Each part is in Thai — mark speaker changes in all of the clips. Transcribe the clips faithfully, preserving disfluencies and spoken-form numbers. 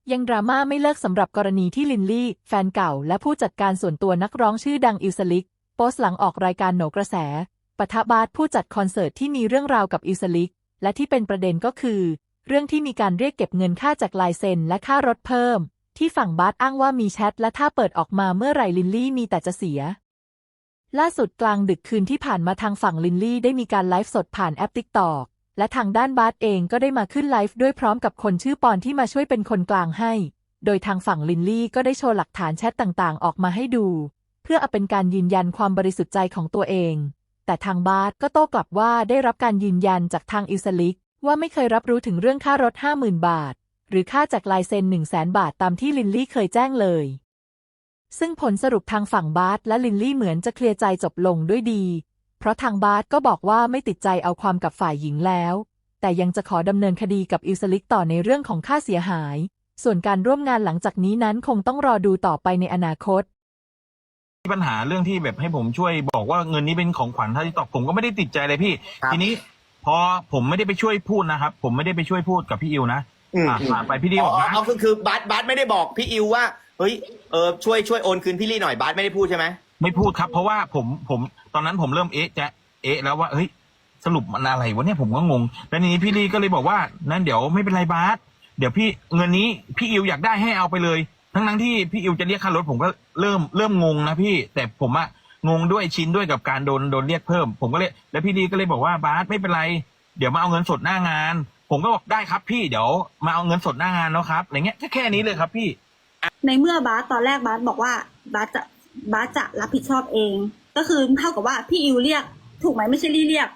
Speaker 1: ยังดราม่าไม่เลิกสำหรับกรณีที่ลินลี่แฟนเก่าและผู้จัดการส่วนตัวนักร้องชื่อดังอิลสลิกโพสต์หลังออกรายการโหนกระแสปะทะบาสผู้จัดคอนเสิร์ตที่มีเรื่องราวกับอิลสลิกและที่เป็นประเด็นก็คือเรื่องที่มีการเรียกเก็บเงินค่าจากลายเซ็นและค่ารถเพิ่มที่ฝั่งบาสอ้างว่ามีแชทและถ้าเปิดออกมาเมื่อไหร่ลินลี่มีแต่จะเสียล่าสุดกลางดึกคืนที่ผ่านมาทางฝั่งลินลี่ได้มีการไลฟ์สดผ่านแอป ติ๊กต็อก และทางด้านบาสเองก็ได้มาขึ้นไลฟ์ด้วยพร้อมกับคนชื่อปอนที่มาช่วยเป็นคนกลางให้โดยทางฝั่งลินลี่ก็ได้โชว์หลักฐานแชทต่างๆออกมาให้ดูเพื่อเอาเป็นการยืนยันความบริสุทธิ์ใจของตัวเองแต่ทางบาสก็โต้กลับว่าได้รับการยืนยันจากทางอิลสลิกว่าไม่เคยรับรู้ถึงเรื่องค่ารถ ห้าหมื่น บาทหรือค่าจากลายเซ็น หนึ่งแสน บาทตามที่ลินลี่เคยแจ้งเลยซึ่งผลสรุปทางฝั่งบาสและลินลี่เหมือนจะเคลียร์ใจจบลงด้วยดีเพราะทางบาสก็บอกว่าไม่ติดใจเอาความกับฝ่ายหญิงแล้วแต่ยังจะขอดำเนินคดีกับอิลสลิกต่อในเรื่องของค่าเสียหายส่วนการร่วมงานหลังจากนี้นั้นคงต้องรอดูต่อไปในอนาคต
Speaker 2: มีปัญหาเรื่องที่แบบให้ผมช่วยบอกว่าเงินนี้เป็นของขวัญถ้าที่ตอบผมก็ไม่ได้ติดใจเลยพี่ทีนี้พอผมไม่ได้ไปช่วยพูดนะครับผมไม่ได้ไปช่วยพูดกับพี่อิวนะอ่าผ่านไปพี่ดีบอกนะ
Speaker 3: เอาคือคือบาสบาสไม่ได้บอกพี่อิวว่าเฮ้ยเออช่วยช่วยโอนคืนพี่ลี่หน่อยบาสไม่ได้พูดใช่ไหม
Speaker 2: ไม่พูดครับเพราะว่าผมผมตอนนั้นผมเริ่มเอ๊ะจะเอ๊ะแล้วว่าเฮ้ยสรุปมันอะไรวะเนี่ยผมก็งงแล้วนี้พี่ลี่ก็เลยบอกว่านั่นเดี๋ยวไม่เป็นไรบาสเดี๋ยวพี่เงินนี้พี่อิวอยากได้ให้เอาไปเลยทั้งทั้งที่พี่อิวจะเรียกค่ารถผมก็เริ่มเริ่มงงนะพี่แต่ผมอะงงด้วยชินด้วยกับการโดนโดนเรียกเพิ่มผมก็เลยแล้วพี่ลี่ก็เลยบอกว่าบาสไม่เป็นไรเดี๋ยวมาเอาเงินสดหน้างานผมก็บอกได้ครับพี่เดี๋ยวมาเอาเงินสดหน้างานแล้วครับอะไรเงี้ยแค่แค่นี้เลยครับพี่
Speaker 4: ในเมื่อบาสตอนแรกบาสบอกว่าบาสจะบาสจะรับผิดชอบเองก็คือเท่ากับว่าพี่อิวเรียกถูกไหมไม่ใช่ลี่เรียก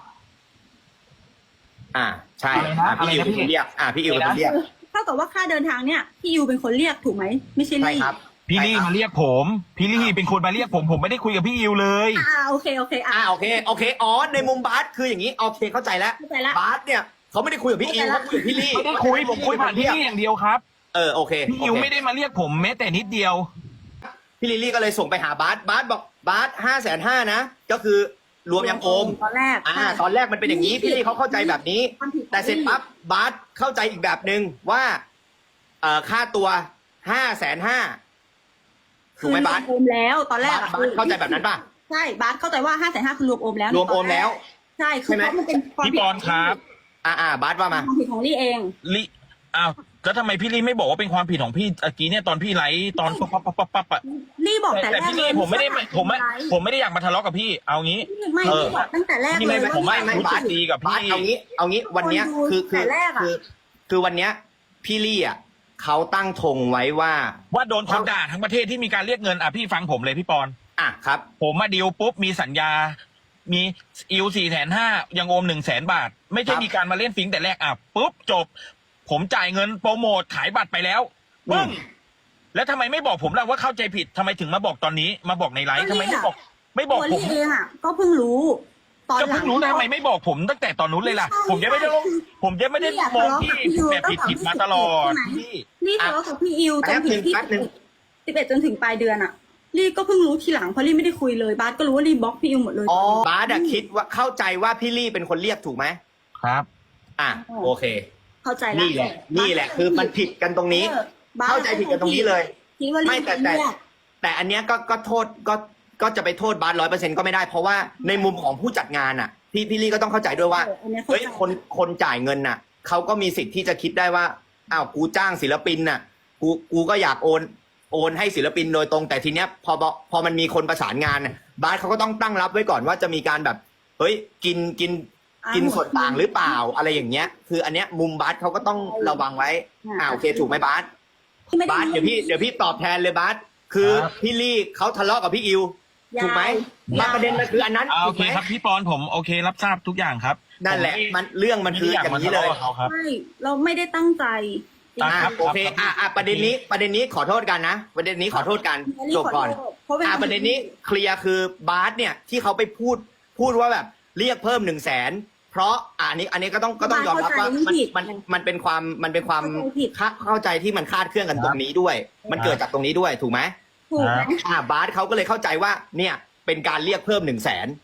Speaker 3: อ่าใช่อ่าพี่อิวเป็นคนเรียกอ่าพี่อิวเป็นคนเรียก
Speaker 4: เท่ากับว่าค่าเดินทางเนี่ยพี่อิวเป็นคนเรียกถูกไหมไม่ใช่ลี่
Speaker 3: ครับ
Speaker 2: พี่ลี่มาเรียกผมพี่ลี่เป็นคนมาเรียกผมผมไม่ได้คุยกับพี่อิวเลย
Speaker 4: อ่าโอเคโอเค
Speaker 3: อ่าโอเคโอเคอ๋อในมุมบาสคืออย่างนี้โอเคเข้าใจแล้ว
Speaker 4: เข้าใจแล้ว
Speaker 3: บาสเนี่ยเขาไม่ได้คุยกับพี่อิวเขาคุยกับพี่ลี่
Speaker 2: ไม่ได้คุยผมคุยผ่านพี่ลี่อย่างเดียวครับ
Speaker 3: เออโอเค
Speaker 2: พี่อิวไม่ได้มาเรียกผมแม้แต่นิดเดียว
Speaker 3: พี่ลิลลี่ก็เลยส่งไปหาบาสบาสบอกบาสห้าแสนห้านะก็คือรวมยังโอม
Speaker 4: ตอนแรก
Speaker 3: อ่าตอนแรกมันเป็นอย่างนี้พี่ลี่เขาเข้าใจแบบนี้แต่เสร็จปั๊บบาสเข้าใจอีกแบบหนึ่งว่าเอ่อค่าตัวห้าแสนห้าถูกไหมบาส
Speaker 4: โอมแล้วตอนแรก
Speaker 3: บาสเข้าใจแบบนั้นป่ะ
Speaker 4: ใช่บาสเข้าใจว่าห้าแสนห้าคือรวมโอมแล้ว
Speaker 3: รวมโอมแล้ว
Speaker 4: ใช่คือเพราะมันเป็น
Speaker 2: พี่ปอนครับ
Speaker 3: อ่าอ่าบาสว่ามา
Speaker 4: ความผิดของลี่เอง
Speaker 2: ลี่อ้าวแล้วทำไมพี่ลี่ไม่บอกว่าเป็นความผิดของพี่เมื่อกี้เนี่ยตอนพี่ไลฟ์ตอนปั๊บปั๊บปั๊บปั๊บอะ
Speaker 4: ลี่บอกแต่แรก
Speaker 2: พี่ลี่ผมไม่ได้ผมไม่ผมไม่ได้อยากมาทะเลาะกับพี่เอางี้
Speaker 4: ไม่ลี่บอกตั้งแต่แรกเลย
Speaker 2: ผมไม่ไม่บาสดีกับพี่
Speaker 3: เอางี้เอางี้วันเนี้ยคือคือคือคือวันเนี้ยพี่ลี่อ่ะเขาตั้งธงไว้ว่า
Speaker 2: ว่าโดนคนด่าทั้งประเทศที่มีการเรียกเงินอ่ะพี่ฟังผมเลยพี่ปอน
Speaker 3: อ่ะครับ
Speaker 2: ผมมาดีลปุ๊บมีสัญญามีอิวสี่แสนห้ายังโอมหนึ่งแสนบาทไม่ใช่มีการมาเล่นฟิงแต่แรกอ่ะปุ๊บจบผมจ่ายเงินโปรโมทขายบัตรไปแล้วปึ้งแล้วทำไมไม่บอกผมล่ะว่าเข้าใจผิดทำไมถึงมาบอกตอนนี้มาบอกในไลฟ์ทำไมไม่บอกไม่บอกผม
Speaker 4: เองอ่ะก็เพิ่งรู้
Speaker 2: ตอนหลังก็เพิ่งรู้แล้วทำไมไม่บอกผมตั้งแต่ตอนนู้นเลยล่ะผมยังไม่ได้ผมยังไม่ได้มองที่แบบผิดผิดมาตลอด
Speaker 4: พี่นี่ทะเลาะกับพี่อิวจนถึงที่สิบเอ็ดจนถึงปลายเดือนอ่ะลี่ก็เพิ่งรู้ทีหลังเพราะลี่ไม่ได้คุยเลยบาสก็รู้ว่าลี่บล็อกพี่อิวหมดเลย
Speaker 3: อ๋อบาสอะคิดว่าเข้าใจว่าพี่ลี่เป็นคนเรียกถูกไหม
Speaker 2: ครับ
Speaker 3: อ่ะโอเค
Speaker 4: เข้าใจ
Speaker 3: นี่แหละนี่แหละคือมันผิดกันตรงนี้เข้าใจผิดกันตรงนี้เลยไม่แต่แต่แต่อันเนี้ยก็ก็โทษก็ก็จะไปโทษบาสร้อยเปอร์เซ็นต์ก็ไม่ได้เพราะว่าในมุมของผู้จัดงานอ่ะพี่พี่ลี่ก็ต้องเข้าใจด้วยว่าเฮ้ยคนคนจ่ายเงินน่ะเขาก็มีสิทธิ์ที่จะคิดได้ว่าอ้าวกูจ้างศิลปินน่ะกูกูก็อยากโอนโอนให้ศิลปินโดยตรงแต่ทีเนี้ยพอพอมันมีคนประสานงานบาสเขาก็ต้องตั้งรับไว้ก่อนว่าจะมีการแบบเฮ้ยกินกินกินส่วนต่างหรือเปล่าอะไรอย่างเงี้ยคืออันเนี้ยมุมบาสเขาก็ต้องระวังไว้อ่าโอเคถูกไหมบาสบาสเดี๋ยวพี่เดี๋ยวพี่ตอบแทนเลยบาสคือพี่ลี่เขาทะเลาะกับพี่อิวถูกไหมมาประเด็นมันคืออันนั้น
Speaker 2: โอเคครับพี่ปอนผมโอเครับทราบทุกอย่างครับ
Speaker 3: นั่นแหละมันเรื่องมันคืออย่างนี้เลย
Speaker 4: ไม่เราไม่ได้ตั้งใจ
Speaker 3: อ่าโอเคอ่าอ่าประเด็นนี้ประเด็นนี้ขอโทษกันนะประเด็นนี้ขอโทษกันจบก่อนอ่าประเด็นนี้เคลียร์คือบาสเนี่ยที่เขาไปพูดพูดว่าแบบเรียกเพิ่มหนึ่งแสนเพราะอันนี้อันนี้ก็ต้องก็ต้องยอมรับว่ามันมันมันเป็นความมันเป็นความเข้าใจที่มันคลาดเคลื่อนกันตรงนี้ด้วยมันเกิดจากตรงนี้ด้วยถูกไหมถูกอ่าบาสเขาก็เลยเข้าใจว่าเนี่ยเป็นการเรียกเพิ่มหนึ่งแสน